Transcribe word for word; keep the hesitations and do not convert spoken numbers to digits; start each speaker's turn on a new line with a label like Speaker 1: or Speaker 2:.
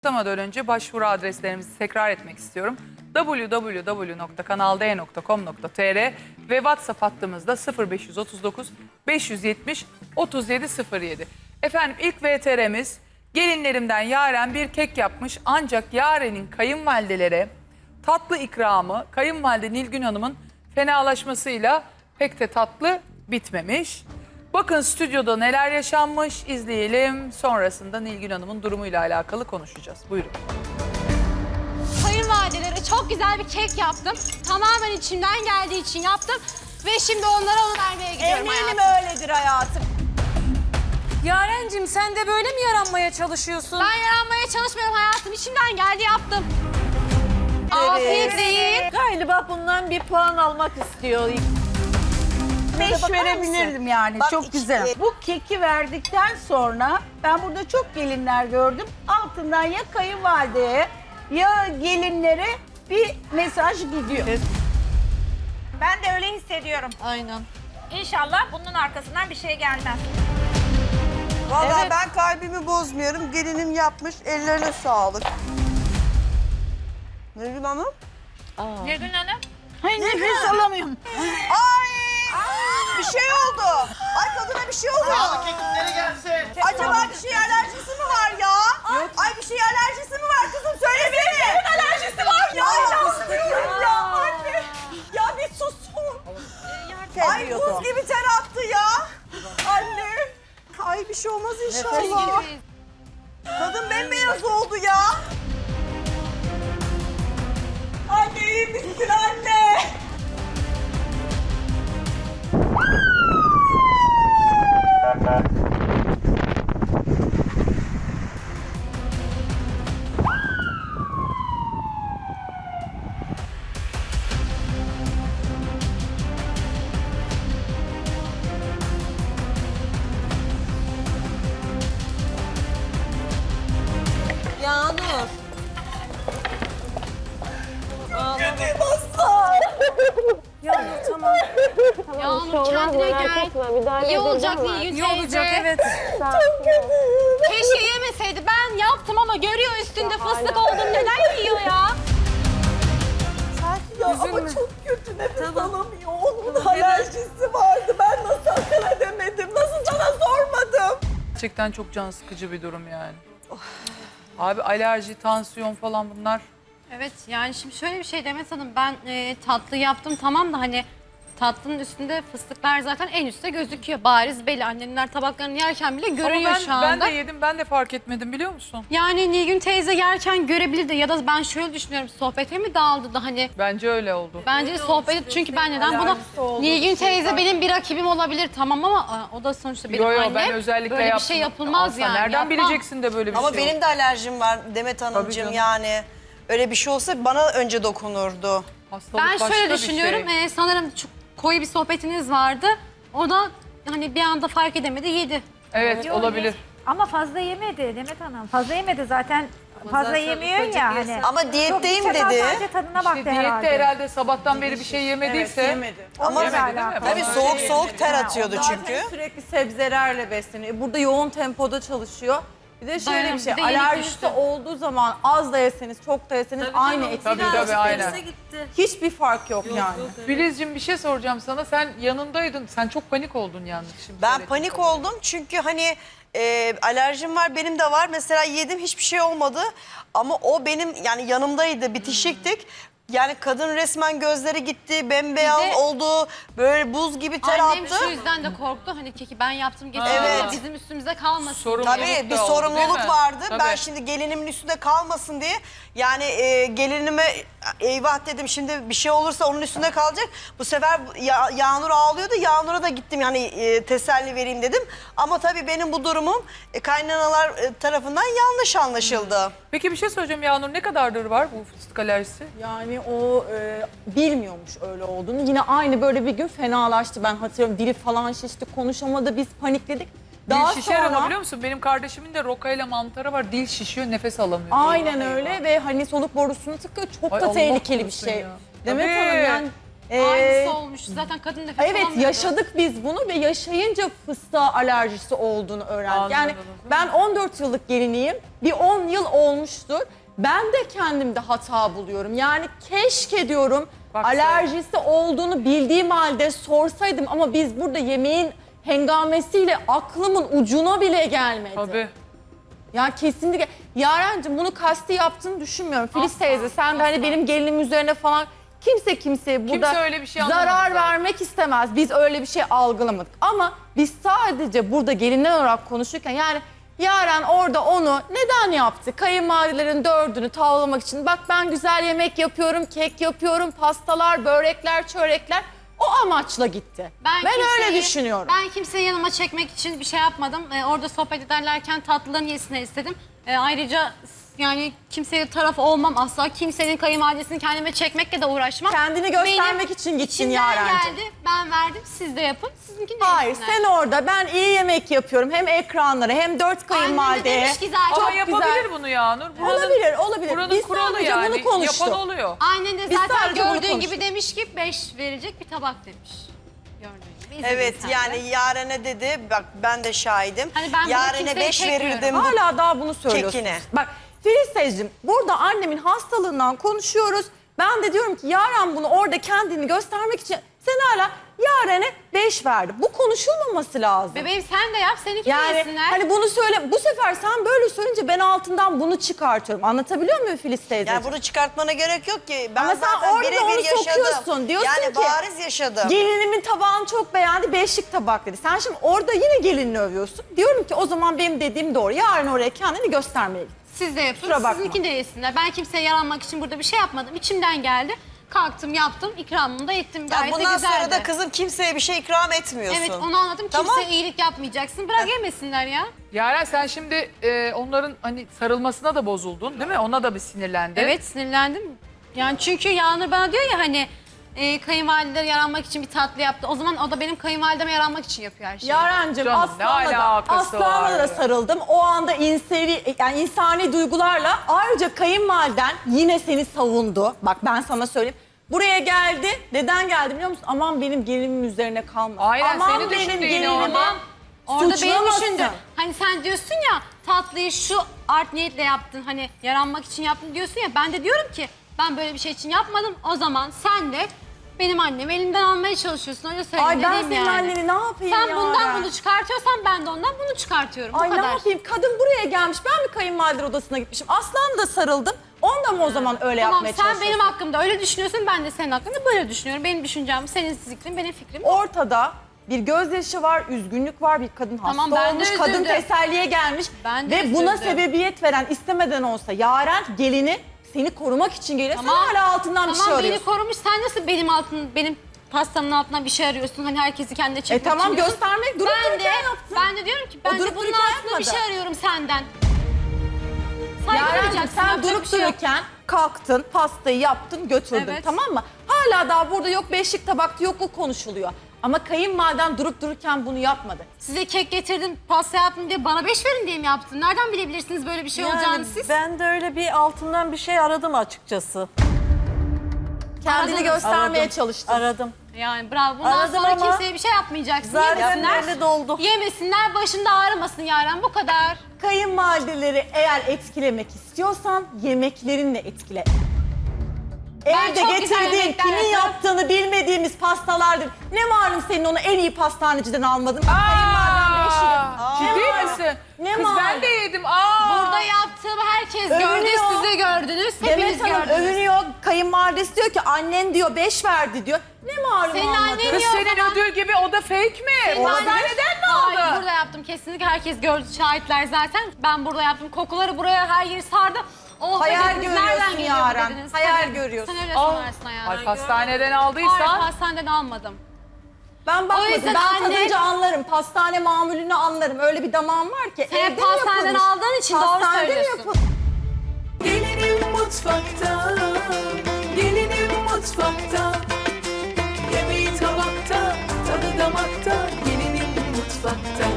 Speaker 1: Başlamadan önce başvuru adreslerimizi tekrar etmek istiyorum. double-u double-u double-u nokta kanal d nokta com nokta t r ve WhatsApp hattımızda sıfır beş otuz dokuz beş yüz yetmiş otuz yedi sıfır yedi. Efendim ilk V T R'miz gelinlerimden Yaren bir kek yapmış ancak Yaren'in kayınvalidelere tatlı ikramı kayınvalide Nilgün Hanım'ın fenalaşmasıyla pek de tatlı bitmemiş. Bakın stüdyoda neler yaşanmış izleyelim. Sonrasında Nilgün Hanım'ın durumuyla alakalı konuşacağız. Buyurun.
Speaker 2: Kayınvalidelere çok güzel bir kek yaptım. Tamamen içimden geldiği için yaptım. Ve şimdi onlara onu vermeye gidiyorum
Speaker 3: Eminim
Speaker 2: hayatım.
Speaker 3: öyledir hayatım.
Speaker 4: Yarencim sen de böyle mi yaranmaya çalışıyorsun?
Speaker 2: Ben yaranmaya çalışmıyorum hayatım. İçimden geldi yaptım. Afiyetle yiyin.
Speaker 3: Galiba bundan bir puan almak istiyor.
Speaker 5: Beş verebilirdim yani.
Speaker 3: Bak
Speaker 5: Çok
Speaker 3: işte,
Speaker 5: güzel. Bu keki verdikten sonra ben burada çok gelinler gördüm. Altından ya kayınvalideye ya gelinlere bir mesaj gidiyor.
Speaker 6: Ben de öyle hissediyorum.
Speaker 2: Aynen.
Speaker 6: İnşallah bunun arkasından bir şey gelmez.
Speaker 7: Vallahi ben kalbimi bozmuyorum. Gelinim yapmış. Ellerine sağlık. Nilgün Hanım?
Speaker 6: Nilgün Hanım.
Speaker 5: Hayır nefes alamıyorum.
Speaker 7: Ay! Bir şey oldu. Ay kadına bir şey oldu.
Speaker 8: Sağlık ekipleri gelsin.
Speaker 7: Acaba bir şey alerjisi mi var ya? Ay bir şey alerjisi mi var kızım? Söylesene. Kimin alerjisi var ya? İnanmıyorum ya anne. Ya bir susun. Ay buz gibi ter attı ya. Anne. Ay bir şey olmaz inşallah. Kadın bembeyaz oldu ya. Anne iyi misin anne?
Speaker 3: Yağnur.
Speaker 4: Yağmur tamam.
Speaker 2: Yağmur kendine gel. İyi olacak Nilgün teyze.
Speaker 4: İyi olacak evet.
Speaker 2: Keşke yemeseydi. Ben yaptım ama görüyor üstünde fıstık oldum. Neden yiyor ya?
Speaker 7: Ya ama çok kötü nefes alamıyor. Onun alerjisi vardı. Ben nasıl akıl edemedim? Nasıl sana sormadım?
Speaker 1: Gerçekten çok can sıkıcı bir durum yani. Abi alerji, tansiyon falan bunlar.
Speaker 2: Evet yani şimdi şöyle bir şey Demet Hanım. Ben e, tatlı yaptım tamam da hani tatlının üstünde fıstıklar zaten en üstte gözüküyor. Bariz belli. Annemler tabaklarını yerken bile görüyor
Speaker 1: Ama ben,
Speaker 2: şu anda.
Speaker 1: ben de yedim, ben de fark etmedim biliyor musun?
Speaker 2: Yani Nilgün teyze yerken görebilirdi ya da ben şöyle düşünüyorum sohbete mi dağıldı da hani
Speaker 1: Bence öyle oldu.
Speaker 2: bence sohbet çünkü ben neden buna Nilgün teyze benim bir rakibim olabilir tamam ama aa, o da sonuçta benim
Speaker 1: Yo yo
Speaker 2: annem.
Speaker 1: ben özellikle
Speaker 2: böyle
Speaker 1: yaptım.
Speaker 2: bir şey yapılmaz
Speaker 1: Asla,
Speaker 2: yani.
Speaker 1: nereden
Speaker 2: yapmam.
Speaker 1: bileceksin de böyle bir
Speaker 7: Ama
Speaker 1: şey
Speaker 7: benim
Speaker 1: olur?
Speaker 7: de alerjim var Demet Hanımcığım
Speaker 1: canım.
Speaker 7: yani. Öyle bir şey olsa bana önce dokunurdu.
Speaker 1: Hastalık
Speaker 2: Ben
Speaker 1: başka
Speaker 2: şöyle
Speaker 1: bir
Speaker 2: düşünüyorum
Speaker 1: şey.
Speaker 2: e, sanırım çok koyu bir sohbetiniz vardı. O da hani bir anda fark edemedi yedi.
Speaker 1: Evet
Speaker 6: Yok,
Speaker 1: olabilir.
Speaker 6: Ama fazla yemedi Demet Hanım. Fazla yemedi zaten. Fazla yemiyor ya hani.
Speaker 7: Ama diyetteyim
Speaker 6: Çok içe
Speaker 7: dedi.
Speaker 6: sadece tadına baktı
Speaker 1: İşte diyette
Speaker 6: herhalde.
Speaker 1: herhalde sabahtan beri bir şey yemediyse.
Speaker 7: Ama
Speaker 1: Yemedi değil mi?
Speaker 7: tabii soğuk soğuk ter atıyordu
Speaker 3: Zaten
Speaker 7: çünkü.
Speaker 3: sürekli sebzelerle besleniyor. Burada yoğun tempoda çalışıyor. Bir de şöyle
Speaker 2: Dayanam-
Speaker 3: bir şey,
Speaker 2: bir de yenik
Speaker 3: alerjisi
Speaker 2: düştü.
Speaker 3: olduğu zaman az da yeseniz, çok da yeseniz aynı etki.
Speaker 1: Tabii tabii aynen.
Speaker 3: Hiçbir fark yok yani.
Speaker 1: Filizciğim bir şey soracağım sana. Sen yanındaydın. Sen çok panik oldun yalnız şimdi.
Speaker 7: Ben
Speaker 1: söyledin.
Speaker 7: panik oldum çünkü hani e, alerjim var benim de var. Mesela yedim hiçbir şey olmadı. Ama o benim yani yanımdaydı bitişiktik. Yani kadın resmen gözleri gitti, bembeyaz
Speaker 2: Bir de-
Speaker 7: oldu, böyle buz gibi ter
Speaker 2: Annem
Speaker 7: attı.
Speaker 2: şu yüzden de korktu hani keki ben yaptım getirdim
Speaker 7: Evet.
Speaker 2: ama bizim üstümüze kalmasın.
Speaker 1: Sorumluluk
Speaker 7: Tabii bir
Speaker 1: da oldu, değil
Speaker 7: sorumluluk
Speaker 1: mi?
Speaker 7: vardı.
Speaker 1: Tabii.
Speaker 7: Ben şimdi gelinimin üstünde kalmasın diye. Yani e, gelinime eyvah dedim şimdi bir şey olursa onun üstünde kalacak. Bu sefer ya, Yağnur ağlıyordu. Yağnur'a da gittim yani e, teselli vereyim dedim. Ama tabii benim bu durumum e, kaynanalar e, tarafından yanlış anlaşıldı.
Speaker 1: Peki bir şey söyleyeceğim Yağnur. Ne kadardır var bu fıstık alerjisi?
Speaker 3: Yani o e, bilmiyormuş öyle olduğunu. Yine aynı böyle bir gün fenalaştı. Ben hatırlıyorum dili falan şişti, konuşamadı, biz panikledik. Daha
Speaker 1: dil şişer ama
Speaker 3: sonra
Speaker 1: biliyor musun? Benim kardeşimin de rokayla mantarı var. Dil şişiyor, nefes alamıyor.
Speaker 3: aynen öyle ve hani soluk borusunu tıkıyor. Çok
Speaker 1: Ay
Speaker 3: da
Speaker 1: Allah
Speaker 3: tehlikeli bir
Speaker 1: korusun
Speaker 3: şey.
Speaker 1: ya.
Speaker 3: Demet
Speaker 1: Tabii.
Speaker 3: Hanım yani Ee,
Speaker 2: Aynısı olmuş. Zaten kadın nefes
Speaker 3: Evet
Speaker 2: alamıyordu.
Speaker 3: yaşadık biz bunu ve yaşayınca fıstığa alerjisi olduğunu öğrendik. Yani
Speaker 1: Anladınız mı?
Speaker 3: ben on dört yıllık geliniyim. Bir on yıl olmuştur. Ben de kendimde hata buluyorum. Yani keşke diyorum
Speaker 1: Bak
Speaker 3: alerjisi olduğunu bildiğim halde sorsaydım ama biz burada yemeğin hengamesiyle aklımın ucuna bile gelmedi.
Speaker 1: Tabii.
Speaker 3: Ya kesinlikle. Yarencim bunu kasti yaptığını düşünmüyorum. Filiz
Speaker 2: Asla,
Speaker 3: teyze sen de hani
Speaker 2: asla.
Speaker 3: benim gelinim üzerine falan kimse kimseye burada
Speaker 1: öyle bir şey anlamadı
Speaker 3: zarar
Speaker 1: zaten.
Speaker 3: vermek istemez. Biz öyle bir şey algılamadık. Ama biz sadece burada gelinler olarak konuşurken yani Yaren orada onu neden yaptı? Kayınvalidelerin dördünü tavlamak için. Bak ben güzel yemek yapıyorum, kek yapıyorum, pastalar, börekler, çörekler. O amaçla gitti. Ben, öyle
Speaker 2: kimseyi-
Speaker 3: düşünüyorum.
Speaker 2: Ben kimseyi yanıma çekmek için bir şey yapmadım. Ee, orada sohbet ederlerken tatlıların yesine istedim. Ee, ayrıca yani kimseye taraf olmam asla. Kimsenin kayınvalidesini kendime çekmekle de uğraşmam.
Speaker 3: Kendini göstermek
Speaker 2: Benim
Speaker 3: için gittin
Speaker 2: içimden
Speaker 3: Yarencim.
Speaker 2: geldi. Ben verdim. Siz de yapın. Sizinkini de
Speaker 3: Hayır
Speaker 2: yesinler.
Speaker 3: sen orada ben iyi yemek yapıyorum hem ekranlara hem dört
Speaker 2: Annem de
Speaker 3: kayınvalideye.
Speaker 2: demiş ki zaten.
Speaker 1: Ama
Speaker 3: Çok
Speaker 1: yapabilir
Speaker 3: güzel.
Speaker 1: bunu ya Nur. Buranın,
Speaker 3: Olabilir olabilir.
Speaker 1: Buranın
Speaker 3: Biz
Speaker 1: kuralı
Speaker 3: sadece
Speaker 1: yani.
Speaker 3: bunu konuştuk.
Speaker 1: Yapan oluyor.
Speaker 2: Annen de
Speaker 3: Biz
Speaker 2: zaten
Speaker 3: sadece bunu
Speaker 2: gördüğün gibi
Speaker 3: konuştuk.
Speaker 2: demiş ki beş verecek bir tabak demiş. Gördüğün gibi. İzledin
Speaker 7: Evet
Speaker 2: sen de.
Speaker 7: yani Yaren'e dedi, bak ben de şahidim.
Speaker 2: Hani ben bunu
Speaker 7: Yaren'e
Speaker 2: kimseye
Speaker 7: beş
Speaker 2: çekmiyorum.
Speaker 7: verirdim. Bu
Speaker 3: Hala daha bunu söylüyorsunuz.
Speaker 7: Kekine.
Speaker 3: Bak Filiz teyzeciğim burada annemin hastalığından konuşuyoruz. Ben de diyorum ki Yaren bunu orada kendini göstermek için sen hala Yaren'e beş verdi. Bu konuşulmaması lazım.
Speaker 2: Bebeğim sen de yap. Seninki de
Speaker 3: Yani
Speaker 2: yesinler.
Speaker 3: hani bunu söyle bu sefer sen böyle söyleyince ben altından bunu çıkartıyorum. Anlatabiliyor muyum Filiz teyzeciğim?
Speaker 7: yani bunu çıkartmana gerek yok ki. Ben
Speaker 3: Ama sen
Speaker 7: zaten
Speaker 3: orada
Speaker 7: birebir
Speaker 3: onu
Speaker 7: yaşadım.
Speaker 3: sokuyorsun. Diyorsun
Speaker 7: yani
Speaker 3: ki
Speaker 7: bariz yaşadım.
Speaker 3: gelinimin tabağını çok beğendi, beşlik tabak dedi. Sen şimdi orada yine gelinini övüyorsun. Diyorum ki o zaman benim dediğim doğru. Yarın oraya kendini göstermeye git.
Speaker 2: Siz de yapın,
Speaker 3: Kusura bakma.
Speaker 2: sizinkini de yesinler. Ben kimseye yaranmak için burada bir şey yapmadım. İçimden geldi. Kalktım, yaptım, ikramımı da ettim.
Speaker 7: Ya
Speaker 2: Gayet de
Speaker 7: bundan
Speaker 2: güzeldi.
Speaker 7: sonra da kızım kimseye bir şey ikram etmiyorsun.
Speaker 2: Evet, onu anladım.
Speaker 7: Tamam.
Speaker 2: Kimseye iyilik yapmayacaksın. Bırak yemesinler ya.
Speaker 1: Yaren sen şimdi e, onların hani sarılmasına da bozuldun değil mi? Ona da bir sinirlendin.
Speaker 2: Evet, sinirlendim. Yani çünkü Yağnur bana diyor ya hani e, kayınvalideler yaranmak için bir tatlı yaptı. O zaman o da benim kayınvalideme yaranmak için yapıyor her şeyi.
Speaker 3: Yarencim
Speaker 1: Canım,
Speaker 3: Aslan'la
Speaker 1: ne
Speaker 3: da,
Speaker 1: alakası
Speaker 3: Aslan'la
Speaker 1: var
Speaker 3: da
Speaker 1: ya?
Speaker 3: sarıldım. O anda insani, yani insani duygularla ayrıca kayınvaliden yine seni savundu. Bak ben sana söyleyeyim. Buraya geldi. Neden geldi biliyor musun? Aman benim gelinimin üzerine kalma.
Speaker 1: Aynen,
Speaker 3: Aman
Speaker 1: seni düşündü
Speaker 3: benim
Speaker 1: yine
Speaker 3: gelinimin
Speaker 1: orada.
Speaker 2: Orada beni
Speaker 3: suçlamasın.
Speaker 2: düşündü. Hani sen diyorsun ya tatlıyı şu art niyetle yaptın. Hani yaranmak için yaptın diyorsun ya. Ben de diyorum ki ben böyle bir şey için yapmadım. O zaman sen de benim annemi elimden almaya çalışıyorsun. Öyle söyleyeyim
Speaker 3: Ay ben
Speaker 2: dediğim
Speaker 3: senin
Speaker 2: yani.
Speaker 3: anneni ne yapayım
Speaker 2: Sen
Speaker 3: ya?
Speaker 2: bundan bunu çıkartıyorsan ben de ondan bunu çıkartıyorum.
Speaker 3: Ay
Speaker 2: Bu
Speaker 3: ne
Speaker 2: kadar.
Speaker 3: yapayım? Kadın buraya gelmiş. Ben mi kayınvalider odasına gitmişim? Aslan da sarıldım. Onda mı o zaman öyle
Speaker 2: Tamam
Speaker 3: yapmaya
Speaker 2: sen
Speaker 3: çalışıyorsun?
Speaker 2: benim hakkımda öyle düşünüyorsun. Ben de senin hakkında böyle düşünüyorum. Benim düşüncem senin fikrin benim fikrim.
Speaker 3: Ortada bir gözyaşı var, üzgünlük var, bir kadın hasta
Speaker 2: Tamam, ben de
Speaker 3: olmuş, kadın
Speaker 2: üzüldüm.
Speaker 3: teselliye gelmiş
Speaker 2: Ben de
Speaker 3: ve buna
Speaker 2: üzüldüm.
Speaker 3: sebebiyet veren istemeden olsa Yaren gelini seni korumak için geliyor. Sen hala altından bir şey
Speaker 2: Tamam beni
Speaker 3: arıyorsun.
Speaker 2: korumuş. Sen nasıl benim altın benim pastamın altından bir şey arıyorsun? Hani herkesi kendine
Speaker 3: E
Speaker 2: çekmek
Speaker 3: tamam
Speaker 2: için diyorsun.
Speaker 3: göstermek durup
Speaker 2: Ben de,
Speaker 3: dururken yaptın.
Speaker 2: ben de diyorum ki ben
Speaker 3: durup
Speaker 2: de bunun
Speaker 3: dururken
Speaker 2: altında bir
Speaker 3: yapmadı.
Speaker 2: şey arıyorum senden. Saygı
Speaker 3: Yarencim
Speaker 2: duyacaksın,
Speaker 3: sen
Speaker 2: yapacak
Speaker 3: durup
Speaker 2: bir şey yok.
Speaker 3: dururken kalktın, pastayı yaptın, götürdün
Speaker 2: Evet.
Speaker 3: tamam mı? Hala daha burada yok beşlik tabakta yok o konuşuluyor. Ama kayınvaliden durup dururken bunu yapmadı.
Speaker 2: Size kek getirdim, pasta yaptım diye bana beş verin diye mi yaptın? Nereden bilebilirsiniz böyle bir şey olacağını siz?
Speaker 9: Ben de öyle bir altından bir şey aradım açıkçası.
Speaker 3: Kendini
Speaker 2: Aradın.
Speaker 3: göstermeye
Speaker 9: Aradım.
Speaker 3: çalıştın.
Speaker 9: Aradım.
Speaker 2: Yani bravo. Bundan
Speaker 9: Aradım
Speaker 2: sonra
Speaker 9: ama
Speaker 2: kimseye bir şey yapmayacaksın.
Speaker 9: Zaten
Speaker 2: Yemesinler.
Speaker 9: belli doldu.
Speaker 2: Yemesinler, başında ağrımasın Yaren. Bu kadar.
Speaker 3: Kayınvalideleri eğer etkilemek istiyorsan yemeklerinle etkile.
Speaker 2: Ben
Speaker 3: Evde
Speaker 2: çok güzel
Speaker 3: getirdiğin,
Speaker 2: yemekler
Speaker 3: kimin
Speaker 2: yaparım.
Speaker 3: yaptığını bilmediğimiz pastalardır. Ne malum senin onu en iyi pastaneciden almadın. Bak kayınvaliden beş yedi.
Speaker 1: Ciddi
Speaker 3: Ne malum?
Speaker 1: misin?
Speaker 3: Ne
Speaker 1: Kız
Speaker 3: malum?
Speaker 1: ben de yedim. Aa.
Speaker 2: Burada yaptığımı herkes gördü,
Speaker 3: Övünüyor.
Speaker 2: siz de gördünüz. Hepiniz
Speaker 3: Demet Hanım
Speaker 2: gördünüz.
Speaker 3: övünüyor. Kayınvalidesi diyor ki annen diyor beş verdi diyor. Ne malum
Speaker 2: Senin
Speaker 3: almadın?
Speaker 2: annen
Speaker 1: Kız
Speaker 2: Niye o
Speaker 1: senin
Speaker 2: zaman?
Speaker 1: ödül gibi o da fake mi?
Speaker 2: Senin
Speaker 1: Pastaneden
Speaker 2: annen-
Speaker 1: mi
Speaker 2: Hayır,
Speaker 1: aldın?
Speaker 2: burada yaptım kesinlikle. Herkes gördü, şahitler zaten. Ben burada yaptım. Kokuları buraya her yeri sardı. Oh,
Speaker 3: Hayal
Speaker 2: dediniz,
Speaker 3: görüyorsun
Speaker 2: nereden geliyor bu
Speaker 3: Yaren.
Speaker 2: dediniz.
Speaker 3: Hayal
Speaker 2: Tabii.
Speaker 3: görüyorsun.
Speaker 2: Sen öyle
Speaker 1: Aa.
Speaker 2: sanarsın hayal.
Speaker 1: Ay pastaneden
Speaker 2: Hayır,
Speaker 1: aldıysan.
Speaker 2: pastaneden almadım.
Speaker 3: Ben bakmadım.
Speaker 2: yüzden
Speaker 3: Ben
Speaker 2: anne-
Speaker 3: tadınca anlarım. Pastane mamulünü anlarım. Öyle bir damağım var ki.
Speaker 2: Sen
Speaker 3: evde mi
Speaker 2: pastaneden
Speaker 3: yapılmış?
Speaker 2: aldığın için doğru
Speaker 3: Pastanede mi
Speaker 2: söylüyorsun.
Speaker 3: yapılmış?
Speaker 10: Gelinim mutfakta, gelinim mutfakta. Yemeği tabakta, tadı damakta, gelinim mutfakta.